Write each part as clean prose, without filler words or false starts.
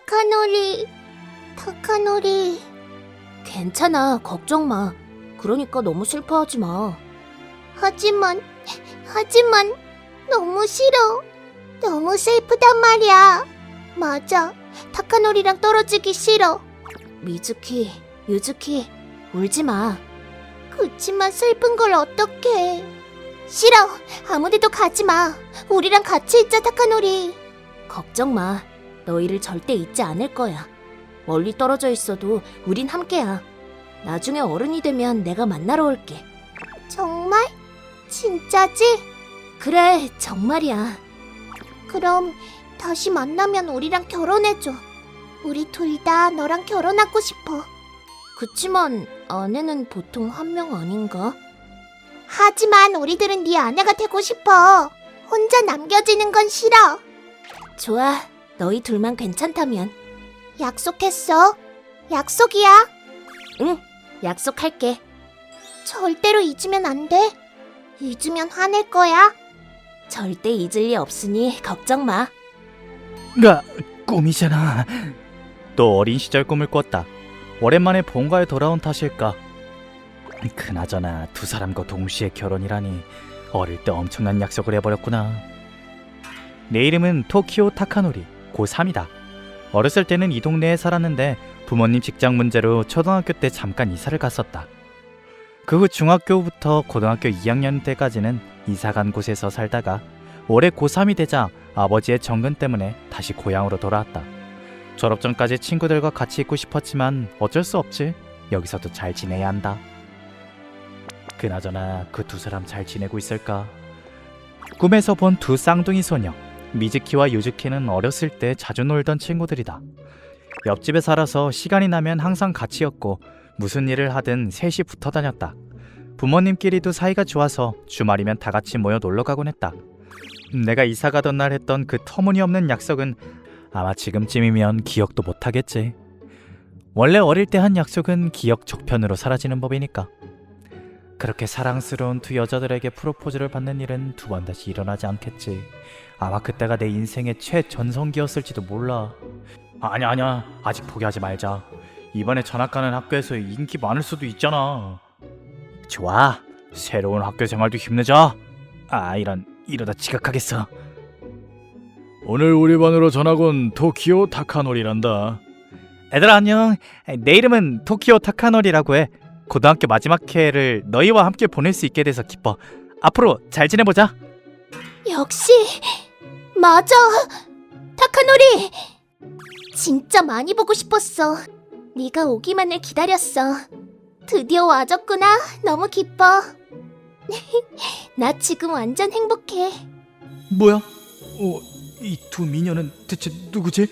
타카노리. 괜찮아, 걱정 마. 그러니까 너무 슬퍼하지 마. 하지만 너무 싫어. 너무 슬프단 말이야. 맞아, 타카노리랑 떨어지기 싫어. 미즈키, 유즈키, 울지 마. 그치만 슬픈 걸 어떡해. 싫어, 아무데도 가지 마. 우리랑 같이 있자, 타카노리. 걱정 마, 너희를 절대 잊지 않을 거야. 멀리 떨어져 있어도 우린 함께야. 나중에 어른이 되면 내가 만나러 올게. 정말? 진짜지? 그래, 정말이야. 그럼 다시 만나면 우리랑 결혼해줘. 우리 둘 다 너랑 결혼하고 싶어. 그치만 아내는 보통 한 명 아닌가? 하지만 우리들은 네 아내가 되고 싶어. 혼자 남겨지는 건 싫어. 좋아, 너희 둘만 괜찮다면. 약속했어? 약속이야? 응, 약속할게. 절대로 잊으면 안 돼. 잊으면 화낼 거야. 절대 잊을 리 없으니 걱정 마. 꿈이잖아. 또 어린 시절 꿈을 꿨다. 오랜만에 본가에 돌아온 탓일까. 그나저나 두 사람과 동시에 결혼이라니 어릴 때 엄청난 약속을 해버렸구나. 내 이름은 토키오 타카노리, 고3이다. 어렸을 때는 이 동네에 살았는데 부모님 직장 문제로 초등학교 때 잠깐 이사를 갔었다. 그 후 중학교부터 고등학교 2학년 때까지는 이사간 곳에서 살다가 올해 고3이 되자 아버지의 정근 때문에 다시 고향으로 돌아왔다. 졸업 전까지 친구들과 같이 있고 싶었지만 어쩔 수 없지. 여기서도 잘 지내야 한다. 그나저나 그 두 사람 잘 지내고 있을까? 꿈에서 본 두 쌍둥이 소녀 미즈키와 유즈키는 어렸을 때 자주 놀던 친구들이다. 옆집에 살아서 시간이 나면 항상 같이였고 무슨 일을 하든 셋이 붙어 다녔다. 부모님끼리도 사이가 좋아서 주말이면 다 같이 모여 놀러 가곤 했다. 내가 이사 가던 날 했던 그 터무니없는 약속은 아마 지금쯤이면 기억도 못하겠지. 원래 어릴 때 한 약속은 기억 저편으로 사라지는 법이니까. 그렇게 사랑스러운 두 여자들에게 프로포즈를 받는 일은 두 번 다시 일어나지 않겠지. 아마 그때가 내 인생의 최전성기였을지도 몰라. 아니야, 아직 포기하지 말자. 이번에 전학 가는 학교에서 인기 많을 수도 있잖아. 좋아, 새로운 학교 생활도 힘내자. 이러다 지각하겠어. 오늘 우리 반으로 전학 온 토키오 타카노리란다. 애들아 안녕. 내 이름은 토키오 타카노리라고 해. 고등학교 마지막 해를 너희와 함께 보낼 수 있게 돼서 기뻐. 앞으로 잘 지내보자. 역시 맞아, 타카노리. 진짜 많이 보고 싶었어. 네가 오기만을 기다렸어. 드디어 와줬구나. 너무 기뻐. 나 지금 완전 행복해. 뭐야? 이 두 미녀는 대체 누구지?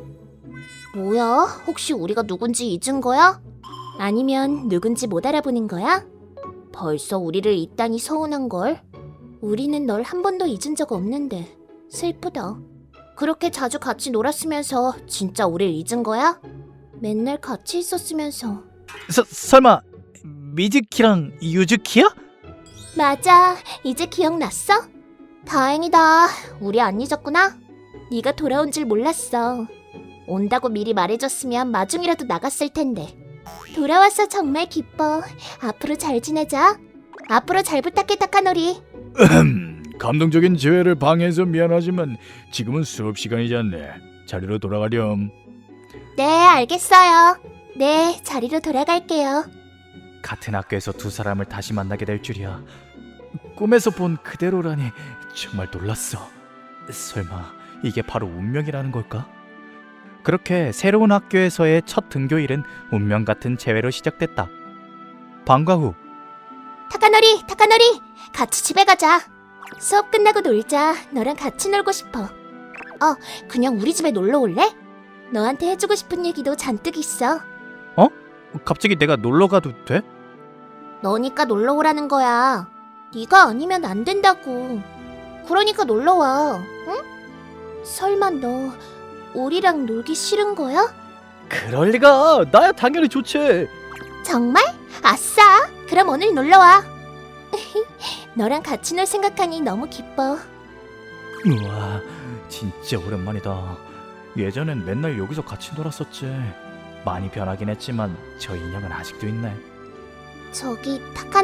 뭐야? 혹시 우리가 누군지 잊은 거야? 아니면 누군지 못 알아보는 거야? 벌써 우리를 잊다니 서운한걸. 우리는 널 한 번도 잊은 적 없는데 슬프다. 그렇게 자주 같이 놀았으면서 진짜 우릴 잊은 거야? 맨날 같이 있었으면서. 설마 미즈키랑 유즈키야? 맞아, 이제 기억났어? 다행이다. 우리 안 잊었구나. 네가 돌아온 줄 몰랐어. 온다고 미리 말해줬으면 마중이라도 나갔을 텐데. 돌아와서 정말 기뻐. 앞으로 잘 지내자. 앞으로 잘 부탁해, 타카노리. 감동적인 재회를 방해해서 미안하지만 지금은 수업 시간이지 않네. 자리로 돌아가렴. 네, 알겠어요. 네, 자리로 돌아갈게요. 같은 학교에서 두 사람을 다시 만나게 될 줄이야. 꿈에서 본 그대로라니 정말 놀랐어. 설마 이게 바로 운명이라는 걸까? 그렇게 새로운 학교에서의 첫 등교일은 운명 같은 재회로 시작됐다. 방과 후 타카노리, 같이 집에 가자. 수업 끝나고 놀자. 너랑 같이 놀고 싶어. 그냥 우리 집에 놀러 올래? 너한테 해주고 싶은 얘기도 잔뜩 있어. 갑자기 내가 놀러 가도 돼? 너니까 놀러 오라는 거야. 네가 아니면 안 된다고. 그러니까 놀러 와. 응? 설마 너 우리랑 놀기 싫은 거야? 그럴 리가. 나야 당연히 좋지. 정말? 아싸! 그럼 오늘 놀러 와. 너랑 같이 놀 생각하니 너무 기뻐. 우와, 진짜 오랜만이다. 예전엔 맨날 여기서 같이 놀았었지. 많이 변하긴 했지만 저 인형은 아직도 있네. 저기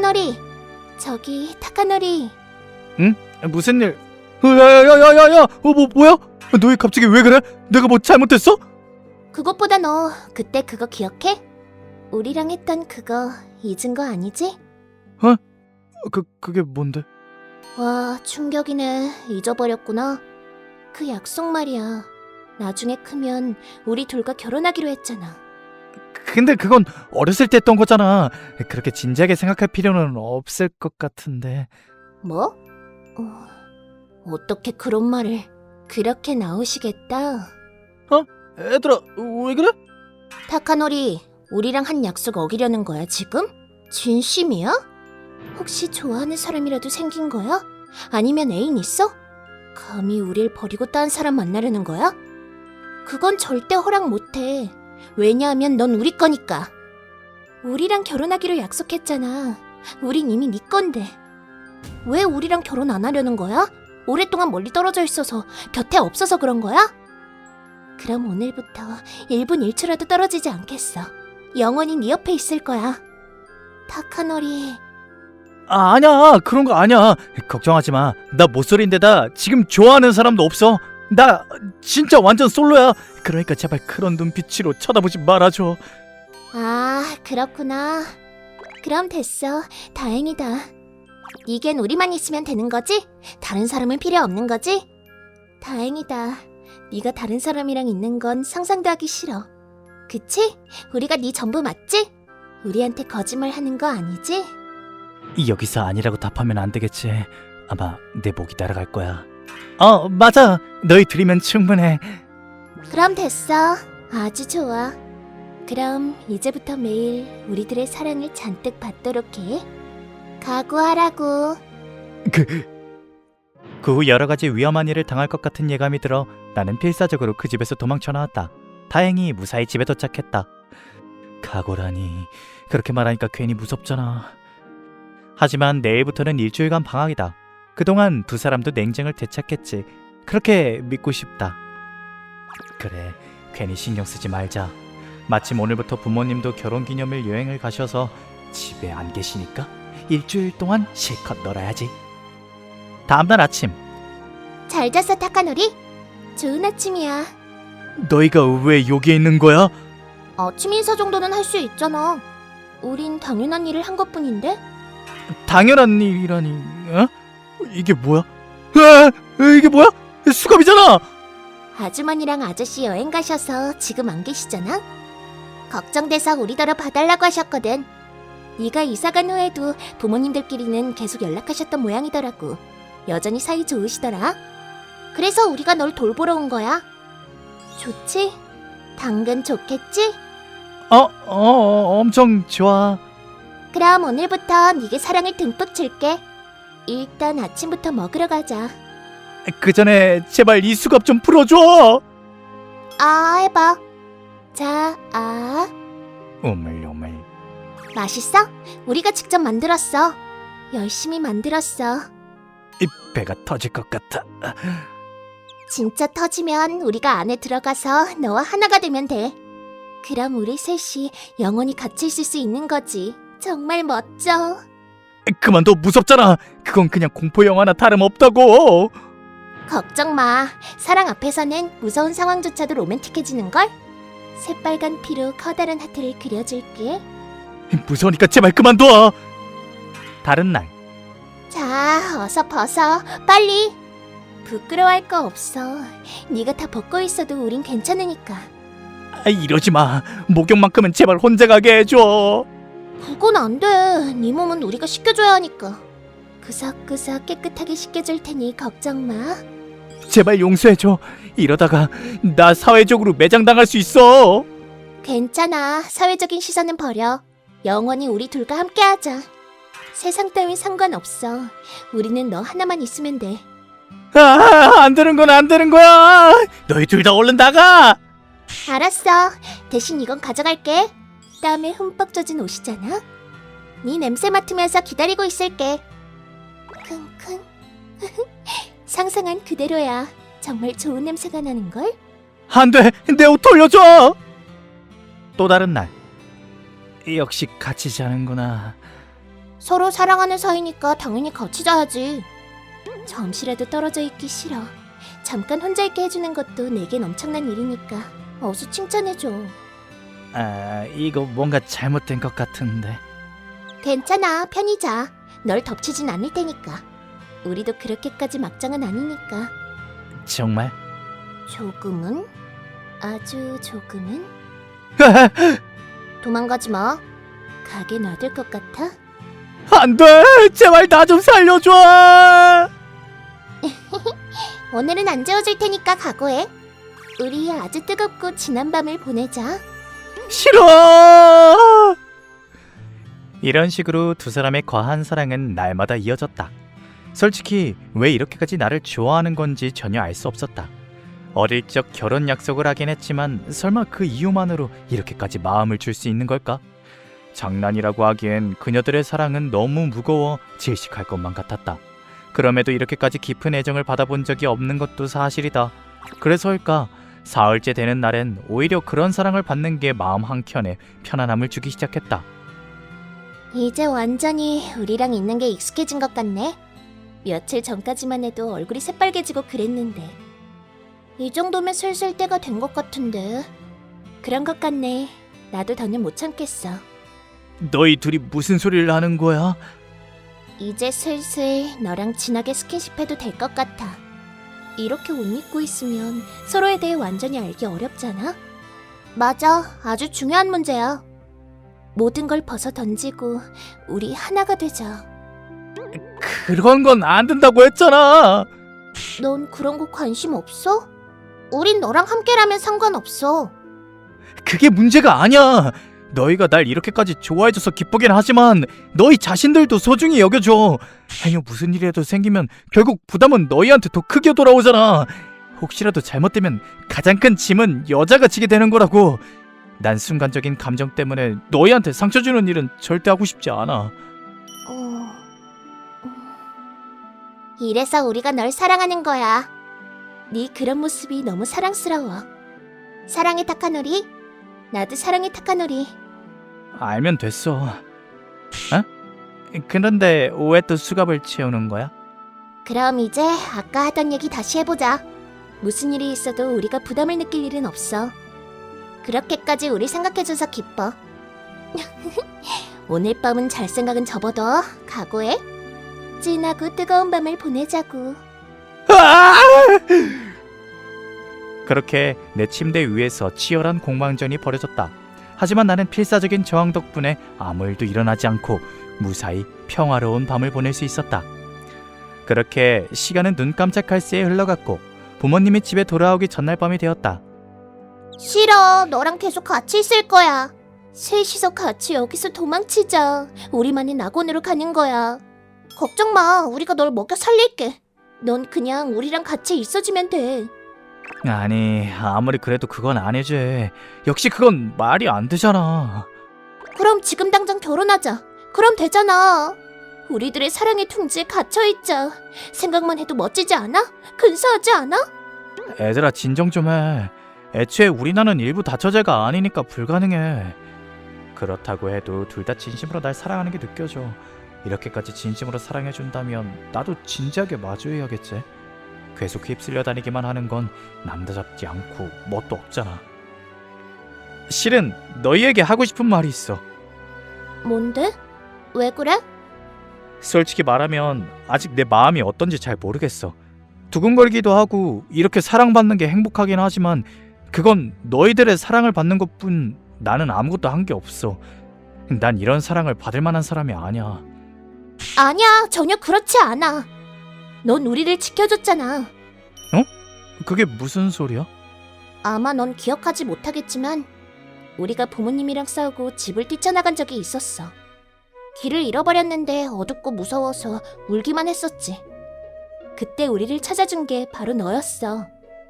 타카노리. 응? 무슨 일? 야야야야야야! 뭐야? 너 갑자기 왜 그래? 내가 뭐 잘못했어? 그것보다 너 그때 그거 기억해? 우리랑 했던 그거 잊은 거 아니지? 그게 뭔데? 와, 충격이네. 잊어버렸구나. 그 약속 말이야. 나중에 크면 우리 둘과 결혼하기로 했잖아. 근데 그건 어렸을 때 했던 거잖아. 그렇게 진지하게 생각할 필요는 없을 것 같은데. 뭐? 어떻게 그런 말을 그렇게 나오시겠다? 얘들아, 왜 그래? 타카노리, 우리랑 한 약속 어기려는 거야, 지금? 진심이야? 혹시 좋아하는 사람이라도 생긴 거야? 아니면 애인 있어? 감히 우릴 버리고 딴 사람 만나려는 거야? 그건 절대 허락 못해. 왜냐하면 넌 우리 거니까. 우리랑 결혼하기로 약속했잖아. 우린 이미 네 건데. 왜 우리랑 결혼 안 하려는 거야? 오랫동안 멀리 떨어져 있어서 곁에 없어서 그런 거야? 그럼 오늘부터 1분 1초라도 떨어지지 않겠어. 영원히 네 옆에 있을 거야. 타카노리. 아니야, 그런 거 아니야. 걱정하지 마. 나 모쏠인데다 지금 좋아하는 사람도 없어. 나 진짜 완전 솔로야. 그러니까 제발 그런 눈빛으로 쳐다보지 말아줘. 아, 그렇구나. 그럼 됐어. 다행이다. 이겐 우리만 있으면 되는 거지? 다른 사람은 필요 없는 거지? 다행이다. 네가 다른 사람이랑 있는 건 상상도 하기 싫어. 그치? 우리가 네 전부 맞지? 우리한테 거짓말 하는 거 아니지? 여기서 아니라고 답하면 안 되겠지. 아마 내 목이 날아갈 거야. 맞아. 너희 둘이면 충분해. 그럼 됐어. 아주 좋아. 그럼 이제부터 매일 우리들의 사랑을 잔뜩 받도록 해. 각오하라고. 그 후 여러 가지 위험한 일을 당할 것 같은 예감이 들어 나는 필사적으로 그 집에서 도망쳐 나왔다. 다행히 무사히 집에 도착했다. 각오라니, 그렇게 말하니까 괜히 무섭잖아. 하지만 내일부터는 일주일간 방학이다. 그동안 두 사람도 냉정을 되찾겠지. 그렇게 믿고 싶다. 그래, 괜히 신경 쓰지 말자. 마침 오늘부터 부모님도 결혼기념일 여행을 가셔서 집에 안 계시니까 일주일 동안 실컷 놀아야지. 다음날 아침. 잘 잤어, 타카노리? 좋은 아침이야. 너희가 왜 여기에 있는 거야? 아침 인사 정도는 할 수 있잖아. 우린 당연한 일을 한 것뿐인데? 당연한 일이라니. 이게 뭐야? 이게 뭐야? 수갑이잖아. 아주머니랑 아저씨 여행 가셔서 지금 안 계시잖아? 걱정돼서 우리더러 봐달라고 하셨거든. 네가 이사간 후에도 부모님들끼리는 계속 연락하셨던 모양이더라고. 여전히 사이 좋으시더라. 그래서 우리가 널 돌보러 온 거야. 좋지? 당근 좋겠지? 엄청 좋아. 그럼 오늘부터 네게 사랑을 듬뿍 줄게. 일단 아침부터 먹으러 가자. 그 전에 제발 이 수갑 좀 풀어줘. 해봐. 자, 오물오물. 맛있어? 우리가 직접 만들었어. 열심히 만들었어. 이 배가 터질 것 같아. 진짜 터지면 우리가 안에 들어가서 너와 하나가 되면 돼. 그럼 우리 셋이 영원히 같이 있을 수 있는 거지. 정말 멋져. 그만둬, 무섭잖아. 그건 그냥 공포 영화나 다름없다고. 걱정 마. 사랑 앞에서는 무서운 상황조차도 로맨틱해지는걸? 새빨간 피로 커다란 하트를 그려줄게. 무서우니까 제발 그만둬. 다른 날. 자, 어서 벗어. 빨리. 부끄러워할 거 없어. 네가 다 벗고 있어도 우린 괜찮으니까. 이러지 마. 목욕만큼은 제발 혼자 가게 해줘. 그건 안 돼. 네 몸은 우리가 씻겨줘야 하니까. 구석구석 깨끗하게 씻겨줄 테니 걱정 마. 제발 용서해줘. 이러다가 나 사회적으로 매장당할 수 있어. 괜찮아. 사회적인 시선은 버려. 영원히 우리 둘과 함께하자. 세상 따윈 상관없어. 우리는 너 하나만 있으면 돼. 안 되는 건 안 되는 거야. 너희 둘 다 얼른 나가. 알았어. 대신 이건 가져갈게. 땀에 흠뻑 젖은 옷이잖아. 네 냄새 맡으면서 기다리고 있을게. 킁킁. 상상한 그대로야. 정말 좋은 냄새가 나는걸? 안 돼! 내 옷 돌려줘! 또 다른 날. 역시 같이 자는구나. 서로 사랑하는 사이니까 당연히 같이 자야지. 잠시라도 떨어져 있기 싫어. 잠깐 혼자 있게 해주는 것도 내겐 엄청난 일이니까 어서 칭찬해줘. 아, 이거 뭔가 잘못된 것 같은데. 괜찮아, 편히 자. 널 덮치진 않을 테니까. 우리도 그렇게까지 막장은 아니니까. 정말? 조금은? 아주 조금은? 도망가지 마. 가게 놔둘 것 같아? 안 돼! 제발 나 좀 살려줘! 오늘은 안 재워줄 테니까 각오해. 우리 아주 뜨겁고 지난 밤을 보내자. 싫어! 이런 식으로 두 사람의 과한 사랑은 날마다 이어졌다. 솔직히 왜 이렇게까지 나를 좋아하는 건지 전혀 알 수 없었다. 어릴 적 결혼 약속을 하긴 했지만 설마 그 이유만으로 이렇게까지 마음을 줄 수 있는 걸까? 장난이라고 하기엔 그녀들의 사랑은 너무 무거워 질식할 것만 같았다. 그럼에도 이렇게까지 깊은 애정을 받아본 적이 없는 것도 사실이다. 그래서일까? 사흘째 되는 날엔 오히려 그런 사랑을 받는 게 마음 한켠에 편안함을 주기 시작했다. 이제 완전히 우리랑 있는 게 익숙해진 것 같네. 며칠 전까지만 해도 얼굴이 새빨개지고 그랬는데 이 정도면 슬슬 때가 된 것 같은데. 그런 것 같네. 나도 더는 못 참겠어. 너희 둘이 무슨 소리를 하는 거야? 이제 슬슬 너랑 진하게 스킨십해도 될 것 같아. 이렇게 옷 입고 있으면 서로에 대해 완전히 알기 어렵잖아? 맞아. 아주 중요한 문제야. 모든 걸 벗어 던지고 우리 하나가 되자. 그런 건 안 된다고 했잖아. 넌 그런 거 관심 없어? 우린 너랑 함께라면 상관없어. 그게 문제가 아니야. 너희가 날 이렇게까지 좋아해줘서 기쁘긴 하지만 너희 자신들도 소중히 여겨줘. 아니요, 무슨 일이라도 생기면 결국 부담은 너희한테 더 크게 돌아오잖아. 혹시라도 잘못되면 가장 큰 짐은 여자가 지게 되는 거라고. 난 순간적인 감정 때문에 너희한테 상처 주는 일은 절대 하고 싶지 않아. 이래서 우리가 널 사랑하는 거야. 네 그런 모습이 너무 사랑스러워. 사랑해 타카노리. 나도 사랑해 타카노리. 알면 됐어. 어? 그런데 왜 또 수갑을 채우는 거야? 그럼 이제 아까 하던 얘기 다시 해보자. 무슨 일이 있어도 우리가 부담을 느낄 일은 없어. 그렇게까지 우리 생각해줘서 기뻐. 오늘 밤은 잘 생각은 접어둬. 각오해. 진하고 뜨거운 밤을 보내자고. 그렇게 내 침대 위에서 치열한 공방전이 벌어졌다. 하지만 나는 필사적인 저항 덕분에 아무 일도 일어나지 않고 무사히 평화로운 밤을 보낼 수 있었다. 그렇게 시간은 눈 깜짝할 새에 흘러갔고 부모님이 집에 돌아오기 전날 밤이 되었다. 싫어. 너랑 계속 같이 있을 거야. 셋이서 같이 여기서 도망치자. 우리만의 낙원으로 가는 거야. 걱정 마. 우리가 널 먹여 살릴게. 넌 그냥 우리랑 같이 있어주면 돼. 아니, 아무리 그래도 그건 안 해줘. 역시 그건 말이 안 되잖아. 그럼 지금 당장 결혼하자. 그럼 되잖아. 우리들의 사랑의 둥지에 갇혀있자. 생각만 해도 멋지지 않아? 근사하지 않아? 애들아, 진정 좀 해. 애초에 우리 나는 일부 다처제가 아니니까 불가능해. 그렇다고 해도 둘 다 진심으로 날 사랑하는 게 느껴져. 이렇게까지 진심으로 사랑해준다면 나도 진지하게 마주해야겠지. 계속 휩쓸려 다니기만 하는 건 남자답지 않고 멋도 없잖아. 실은 너희에게 하고 싶은 말이 있어. 뭔데? 왜 그래? 솔직히 말하면 아직 내 마음이 어떤지 잘 모르겠어. 두근거리기도 하고 이렇게 사랑받는 게 행복하긴 하지만 그건 너희들의 사랑을 받는 것뿐. 나는 아무것도 한 게 없어. 난 이런 사랑을 받을 만한 사람이 아니야. 아니야. 전혀 그렇지 않아. 넌 우리를 지켜줬잖아. 그게 무슨 소리야? 아마 넌 기억하지 못하겠지만 우리가 부모님이랑 싸우고 집을 뛰쳐나간 적이 있었어. 길을 잃어버렸는데 어둡고 무서워서 울기만 했었지. 그때 우리를 찾아준 게 바로 너였어.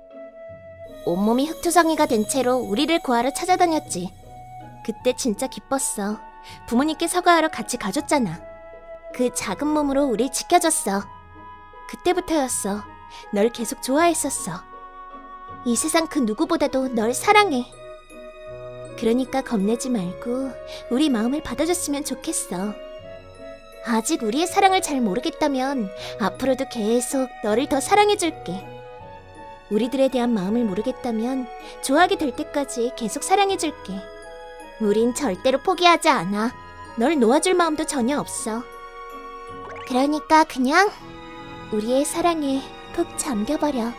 온몸이 흙투성이가 된 채로 우리를 구하러 찾아다녔지. 그때 진짜 기뻤어. 부모님께 사과하러 같이 가줬잖아. 그 작은 몸으로 우릴 지켜줬어. 그때부터였어. 널 계속 좋아했었어. 이 세상 그 누구보다도 널 사랑해. 그러니까 겁내지 말고 우리 마음을 받아줬으면 좋겠어. 아직 우리의 사랑을 잘 모르겠다면 앞으로도 계속 너를 더 사랑해줄게. 우리들에 대한 마음을 모르겠다면 좋아하게 될 때까지 계속 사랑해줄게. 우린 절대로 포기하지 않아. 널 놓아줄 마음도 전혀 없어. 그러니까 그냥 우리의 사랑에 푹 잠겨버려.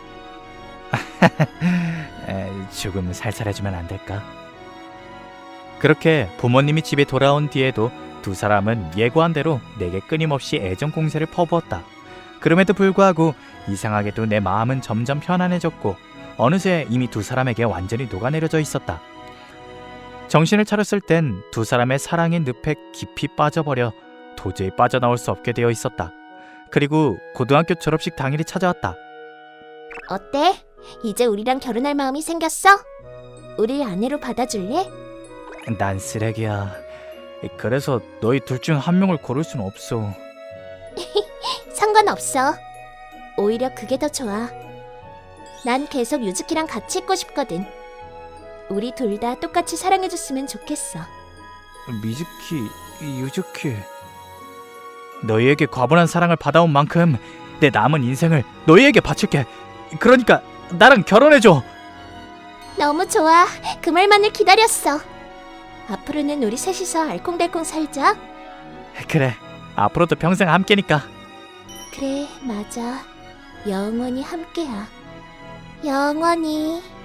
조금 살살해주면 안 될까? 그렇게 부모님이 집에 돌아온 뒤에도 두 사람은 예고한 대로 내게 끊임없이 애정 공세를 퍼부었다. 그럼에도 불구하고 이상하게도 내 마음은 점점 편안해졌고 어느새 이미 두 사람에게 완전히 녹아내려져 있었다. 정신을 차렸을 땐 두 사람의 사랑의 늪에 깊이 빠져버려 도저히 빠져나올 수 없게 되어 있었다. 그리고 고등학교 졸업식 당일이 찾아왔다. 어때? 이제 우리랑 결혼할 마음이 생겼어? 우리 아내로 받아줄래? 난 쓰레기야. 그래서 너희 둘 중 한 명을 고를 순 없어. 상관없어. 오히려 그게 더 좋아. 난 계속 유즈키랑 같이 있고 싶거든. 우리 둘 다 똑같이 사랑해줬으면 좋겠어. 미즈키, 유즈키, 너희에게 과분한 사랑을 받아온 만큼 내 남은 인생을 너희에게 바칠게. 그러니까 나랑 결혼해줘. 너무 좋아. 그 말만을 기다렸어. 앞으로는 우리 셋이서 알콩달콩 살자. 그래, 앞으로도 평생 함께니까. 그래, 맞아. 영원히 함께야. 영원히.